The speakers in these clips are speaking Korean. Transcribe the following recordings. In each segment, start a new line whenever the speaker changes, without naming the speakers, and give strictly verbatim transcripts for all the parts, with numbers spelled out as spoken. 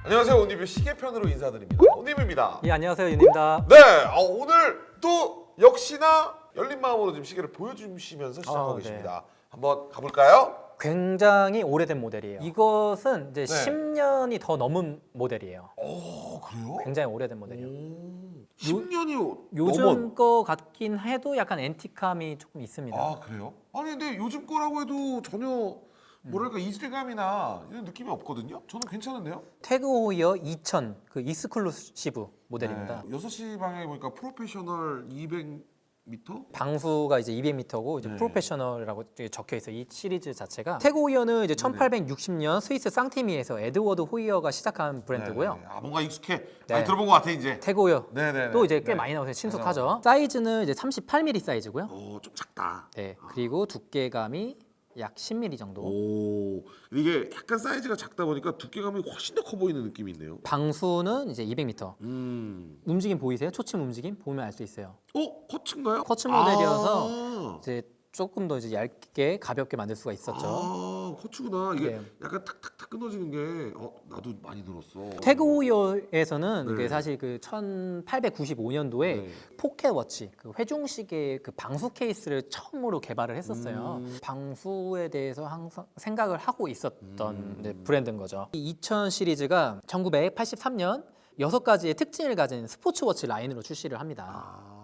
안녕하세요. 온리뷰 시계편으로 인사드립니다. 온리뷰입니다.
예, 안녕하세요. 윤입니다.
네, 어, 오늘 또 역시나 열린 마음으로 지금 시계를 보여주시면서 시작하고
어, 네.
계십니다. 한번 가볼까요?
굉장히 오래된 모델이에요. 이것은 이제
네.
십 년이 더 넘은 모델이에요.
오, 그래요?
굉장히 오래된 모델이에요.
오, 십 년이
요즘
넘은.
거 같긴 해도 약간 앤틱함이 조금 있습니다.
아, 그래요? 아니 근데 요즘 거라고 해도 전혀 뭐랄까 이질감이나 이런 느낌이 없거든요. 저는 괜찮은데요?
태그 호이어 이천 그 익스클루시브 모델입니다.
네, 여섯 시 방향에 보니까 프로페셔널 이백 미터?
방수가 이제 이백 미터고 이제
네.
프로페셔널이라고 적혀 있어요. 이 시리즈 자체가. 태그 호이어는 이제 천팔백육십 년 스위스 쌍티미에서 에드워드 호이어가 시작한 브랜드고요.
네, 네. 아 뭔가 익숙해.
네.
많이 들어본 것 같아 이제.
태그 호이어
네네.
또 이제 꽤 많이 나오세요. 친숙하죠. 사이즈는 이제 삼십팔 밀리미터 사이즈고요.
어, 좀 작다.
네. 그리고 두께감이 약 십 밀리미터 정도.
오, 이게 약간 사이즈가 작다 보니까 두께감이 훨씬 더 커 보이는 느낌이 있네요.
방수는 이제 이백 미터.
음,
움직임 보이세요? 초침 움직임 보면 알 수 있어요.
어, 커츠인가요?
커츠 모델이어서
아,
이제 조금 더 이제 얇게 가볍게 만들 수가 있었죠.
아, 커츠구나. 이게
네.
약간 탁탁탁 끊어지는 게, 어, 나도 많이 들었어.
태그 호이어에서는
네.
이게 사실 그 천팔백구십오 년도에
네.
포켓 워치, 그 회중식의 그 방수 케이스를 처음으로 개발을 했었어요.
음.
방수에 대해서 항상 생각을 하고 있었던
음.
이제 브랜드인 거죠. 이 이천 시리즈가 천구백팔십삼 년 여섯 가지의 특징을 가진 스포츠 워치 라인으로 출시를 합니다.
아,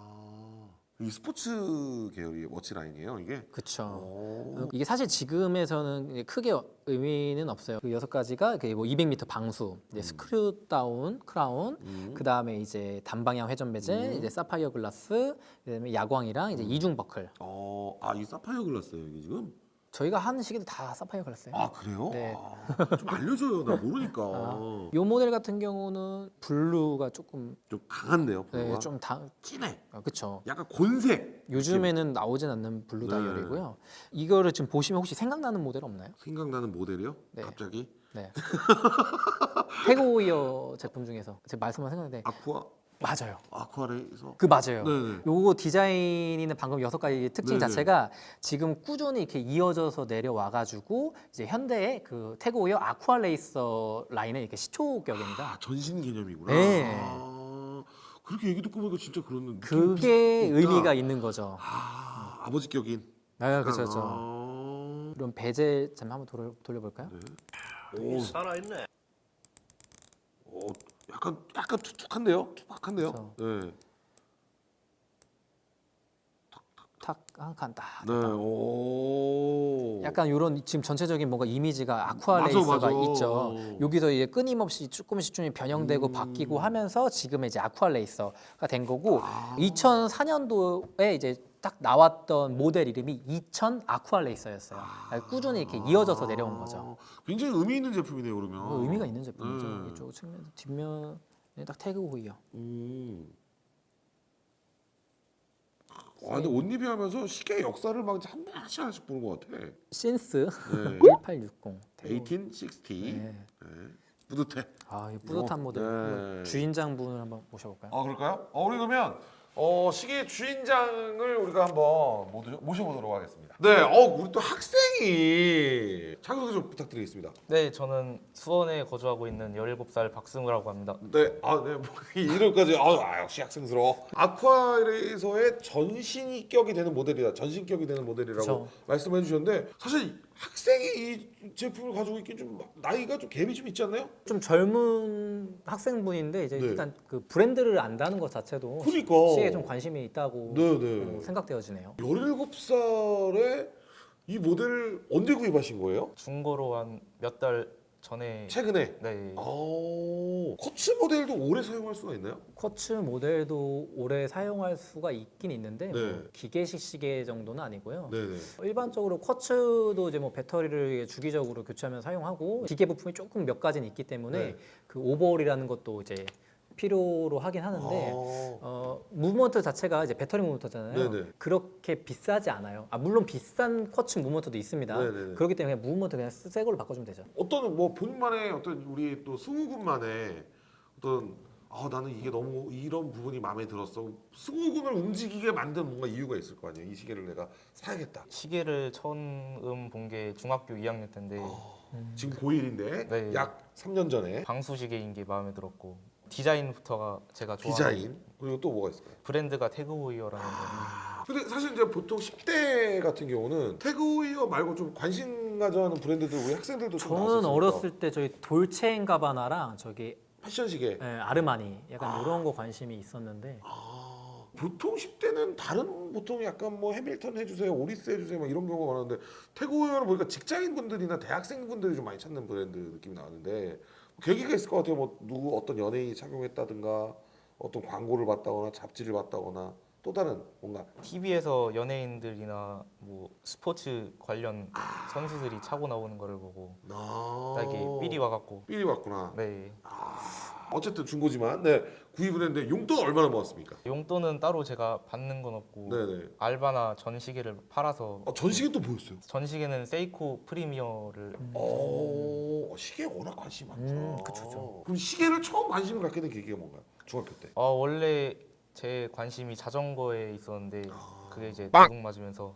이 스포츠 계열의 워치 라인이에요, 이게?
그렇죠.
오.
이게 사실 지금에서는 이제 크게 의미는 없어요. 그 여섯 가지가 뭐 이백 미터 방수, 이제 스크류 다운 크라운,
음.
그 다음에 이제 단방향 회전 베젤,
음.
이제 사파이어 글라스, 그다음에 야광이랑 이제 이중 버클.
어, 아, 이 사파이어 글라스예요, 이게 지금?
저희가 하는 시계도 다 사파이어 글라스예요.
아, 그래요?
네.
아, 좀 알려줘요, 나 모르니까.
아, 요 모델 같은 경우는 블루가 조금
좀 강한데요,
네,
블루가?
좀 다,
진해.
아, 그쵸.
약간 곤색.
요즘에는 나오진 않는 블루
네.
다이얼이고요. 이거를 지금 보시면 혹시 생각나는 모델 없나요?
생각나는 모델이요?
네.
갑자기?
네. 태그 호이어 제품 중에서 제 말씀만 생각나는데
아쿠아
맞아요.
아쿠아레이서.
그 맞아요.
네네.
요거 디자인이는 방금 여섯 가지 특징
네네.
자체가 지금 꾸준히 이렇게 이어져서 내려와 가지고 이제 현대의 그 태그 호이어 아쿠아 레이서 라인의 이렇게 시초격입니다.
아, 전신 개념이구나.
네.
아, 그렇게 얘기 듣고 보니까 진짜 그런 느낌이
그게
있다.
의미가 있는 거죠.
아, 아버지 격인.
네, 그렇죠, 그렇죠.
아,
그럼 베젤 좀 한번 돌려, 돌려볼까요?
오,
살아있네.
오, 약간 약간 투툭한데요? 투박한데요?
그렇죠.
네.
탁 한 칸 딱.
네. 오.
약간 이런 지금 전체적인 뭔가 이미지가 아쿠아
맞아,
레이서가
맞아.
있죠. 여기서 이제 끊임없이 조금씩 좀 변형되고
음.
바뀌고 하면서 지금 이제 아쿠아 레이서가 된 거고
아.
이천사 년도에 이제 딱 나왔던 모델 이름이 이천 아쿠아 레이서였어요. 그러니까 꾸준히 이렇게 이어져서 내려온 거죠.
굉장히 의미 있는 제품이네요, 그러면.
그 의미가 있는 제품이죠.
네.
이쪽 측면 뒷면에 딱 태그 호이어.
음. 아, 근데 옷 리뷰 하면서 시계 역사를 막 한 번씩 하나씩 보는 것 같아.
신스
네.
일팔육공.
천팔백육 십.
네.
네. 뿌듯해.
아, 이 뿌듯한
어,
모델.
네.
한번 주인장분을 한번 모셔볼까요?
아, 그럴까요? 어, 우리 그러면 어, 시계 주인장을 우리가 한번 모두 모셔보도록 하겠습니다. 네, 어, 우리 또 학생이 자기소개 좀 부탁드리겠습니다.
네, 저는 수원에 거주하고 있는 열일곱 살 박승우라고 합니다.
네, 아, 네, 뭐 이름까지 아, 아, 역시 학생스러워. 아쿠아레이서의 전신격이 되는 모델이다. 전신격이 되는 모델이라고
그쵸.
말씀해 주셨는데 사실 학생이 이 제품을 가지고 있긴 좀 나이가 좀 갭이 좀 있지 않나요?
좀 젊은 학생분인데 이제
네.
일단 그 브랜드를 안다는 것 자체도
그러니까.
시에 좀 관심이 있다고
네, 네.
어, 생각되어지네요.
열일곱 살에 이 모델을 언제 구입하신 거예요?
중고로 한 몇 달 전에
최근에.
네.
아, 커츠 모델도 오래 사용할 수가 있나요?
쿼츠 모델도 오래 사용할 수가 있긴 있는데
네.
뭐 기계식 시계 정도는 아니고요.
네네.
일반적으로 쿼츠도 이제 뭐 배터리를 주기적으로 교체하면 사용하고 기계 부품이 조금 몇 가지는 있기 때문에
네.
그 오버홀이라는 것도 이제 필요로 하긴 하는데
아,
어, 무브먼트 자체가 이제 배터리 무브먼트잖아요.
네네.
그렇게 비싸지 않아요. 아, 물론 비싼 쿼츠 무브먼트도 있습니다.
네네네.
그렇기 때문에 그냥 무브먼트 그냥 새 걸로 바꿔주면 되죠.
어떤 뭐 본인만의 어떤 우리 또 승우군만의 어떤 아 나는 이게 너무 이런 부분이 마음에 들었어. 승우군을 움직이게 만든 뭔가 이유가 있을 거 아니에요. 이 시계를 내가 사야겠다.
시계를 처음 본 게 중학교 이 학년 때인데
어. 지금 고일인데
네.
약 삼 년 전에
방수시계인 게 마음에 들었고 디자인부터가 제가 좋아하는
디자인 그리고 또 뭐가 있을까요?
브랜드가 태그호이어라는 거.
근데 사실 이제 보통 십 대 같은 경우는 태그웨어 말고 좀 관심 가져하는 브랜드들 우리 학생들도 좀
저는
나왔었으니까.
어렸을 때 저희 돌체앤가바나랑 저기
패션 시계.
예, 아르마니 약간
아.
이런 거 관심이 있었는데
아, 보통 십 대는 다른 보통 약간 뭐 해밀턴 해주세요, 오리스 해주세요 막 이런 경우가 많은데 태그웨어는 보니까 직장인 분들이나 대학생 분들이 좀 많이 찾는 브랜드 느낌이 나는데 계기가 있을 것 같아요. 뭐 누구 어떤 연예인이 착용했다든가 어떤 광고를 봤다거나 잡지를 봤다거나 또 다른 뭔가
티비에서 연예인들이나 뭐 스포츠 관련 선수들이 차고 나오는 거를 보고
아,
딱이 삘이 와갖고
삘이 왔구나.
네
어쨌든 중고지만 네 구입을 했는데 용돈 얼마나 모았습니까?
용돈은 따로 제가 받는 건 없고
네네.
알바나 전시계를 팔아서
아, 전시계 또 보였어요.
전시계는 세이코 프리미어를
어, 시계에 워낙 관심이 많죠.
음, 그쵸, 그쵸.
그럼 시계를 처음 관심을 갖게 된 계기가 뭔가요? 중학교 때.
어, 원래 제 관심이 자전거에 있었는데
아.
그게 이제 도둑 맞으면서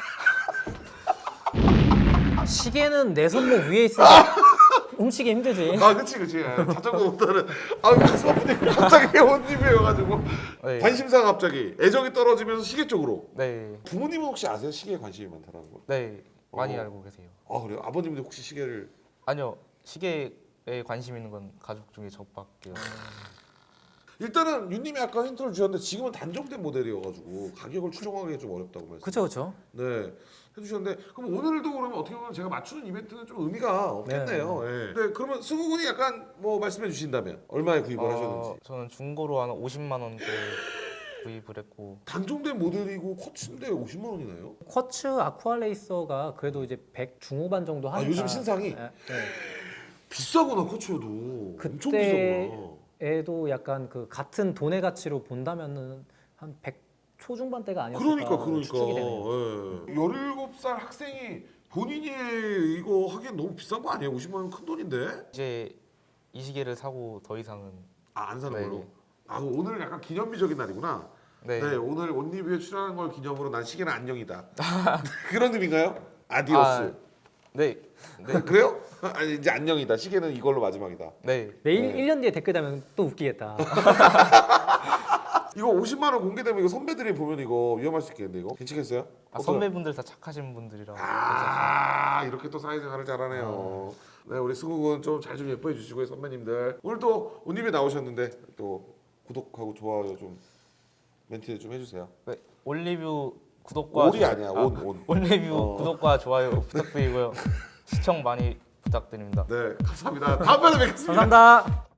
시계는 내 손목 위에 있으니까 훔치기 힘들지.
아, 그치, 그치. 자전거보다는 아, 가슴 아픈데 갑자기 옷입이어가지고
네.
관심사가 갑자기 애정이 떨어지면서 시계 쪽으로.
네,
부모님은 혹시 아세요? 시계에 관심이 많다는 거?
네 많이
어.
알고 계세요.
아, 그래요? 아버님도 혹시 시계를
아니요 시계에 관심 있는 건 가족 중에 저밖에 없어요.
일단은 윤님이 아까 힌트를 주셨는데 지금은 단종된 모델이어가지고 가격을 추정하기 좀 어렵다고 말씀.
그쵸 그쵸.
네 해주셨는데 그럼 오늘도 그러면 어떻게 보면 제가 맞추는 이벤트는 좀 의미가 없겠네요. 네. 네, 그러면 승우군이 약간 뭐 말씀해 주신다면 얼마에 구입을
어,
하셨는지.
저는 중고로 한 오십만 원대 구입을 했고
단종된 모델이고 쿼츠인데 오십만 원이나요?
쿼츠 아쿠아레이서가 그래도 이제 백 중후반 정도
아
하니까.
요즘 신상이
예, 예.
비싸구나 쿼츠여도. 엄청
그때-
비싸구나.
애도 약간 그 같은 돈의 가치로 본다면은 한 백 초중반대가 아니었을까
그러니까 그러니까.
추측이 되네요.
예. 열일곱 살 학생이 본인이 이거 하기엔 너무 비싼 거 아니에요? 오십만 원 큰 돈인데?
이제 이 시계를 사고 더 이상은
아 안 사는
네.
걸로? 아 오늘 약간 기념비적인 날이구나.
네,
네, 오늘 온리뷰에 출연한 걸 기념으로 난 시계는 안녕이다. 그런 의미인가요? 아디오스.
네, 네,
아, 그래요? 아니 이제 안녕이다. 시계는 이걸로 마지막이다.
네.
내일
네.
일 년 뒤에 댓글 달면 또 웃기겠다.
이거 오십만 원 공개되면 이거 선배들이 보면 이거 위험할 수 있겠는데 이거 괜찮겠어요?
아,
어떠-
선배분들 다 착하신 분들이라
아 이렇게 또 사회생활을 잘하네요. 네 우리 승욱은 좀 잘 좀 예뻐해 주시고요 선배님들. 오늘 또 온리뷰에 나오셨는데 또 구독하고 좋아요 좀 멘트 좀 해주세요.
네, 올리뷰 구독과
올이
좋아-
아니야
아,
온 온.
올리뷰
어.
구독과 좋아요 부탁드리고요. 시청 많이 부탁드립니다.
네 감사합니다. 다음번에 뵙겠습니다.
감사합니다.